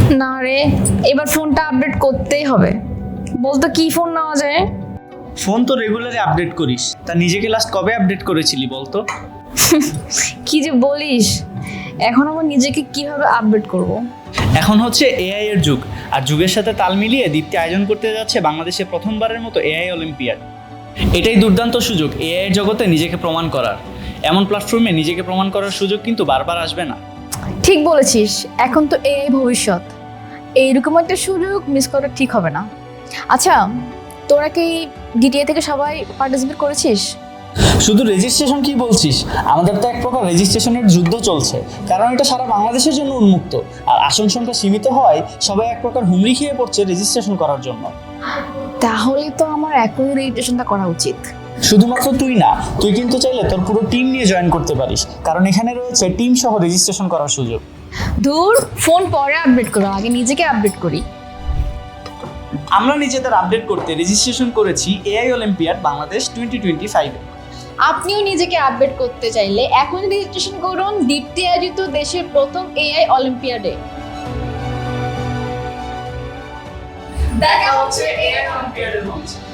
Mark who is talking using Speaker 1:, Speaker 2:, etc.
Speaker 1: না রে, এবার ফোনটা আপডেট করতেই হবে। বলতো কি ফোন নেওয়া যায়?
Speaker 2: ফোন তো রেগুলারই আপডেট করিস, তা নিজেকে লাস্ট কবে আপডেট করেছিলি বলতো?
Speaker 1: কি যে বলিস, এখন আমার নিজেকে কিভাবে আপডেট করব?
Speaker 2: এখন হচ্ছে এআই এর যুগ, আর যুগের সাথে তাল মিলিয়ে দীপ্তি আয়োজন করতে যাচ্ছে বাংলাদেশে প্রথমবারের মতো এআই অলিম্পিয়াড। এটাই দুর্দান্ত সুযোগ এআই এর জগতে নিজেকে প্রমাণ করার। এমন প্ল্যাটফর্মে নিজেকে প্রমাণ করার সুযোগ কিন্তু বারবার আসবে না।
Speaker 1: ঠিক বলেছিস, এখন তো এআই ভবিষ্যৎ। এইরকম একটা সুযোগ মিস করা ঠিক হবে না। আচ্ছা, তোরা কি ডিটিএ থেকে সবাই পার্টিসিপেট করেছিস?
Speaker 2: শুধু রেজিস্ট্রেশন কি বলছিস? আমাদের তো এক প্রকার রেজিস্ট্রেশনের যুদ্ধ চলছে, কারণ এটা সারা বাংলাদেশের জন্য উন্মুক্ত। আর আসন সংখ্যা সীমিত হওয়ায় সবাই এক প্রকার হুমড়ি খেয়ে পড়ছে রেজিস্ট্রেশন করার জন্য।
Speaker 1: তাহলে তো আমার এখনই রেজিস্ট্রেশনটা করা উচিত।
Speaker 2: শুধুমাত্র তুই না, তুই কিন্তু চাইলে তোর পুরো টিম নিয়ে জয়েন করতে পারিস, কারণ এখানে রয়েছে টিম সহ রেজিস্ট্রেশন করার সুযোগ।
Speaker 1: ধুর, ফোন পরে আপডেট করো, আগে নিজেকে আপডেট করি।
Speaker 2: আমরা নিজেদের আপডেট করতে রেজিস্ট্রেশন করেছি এআই অলিম্পিয়াড বাংলাদেশ 2025-এ।
Speaker 1: আপনিও নিজেকে আপডেট করতে চাইলে এখন রেজিস্ট্রেশন করুন দীপ্তি আয়োজিত দেশের প্রথম এআই অলিম্পিয়াডে।
Speaker 2: দেখা হচ্ছে এআই অলিম্পিয়াডের মঞ্চে।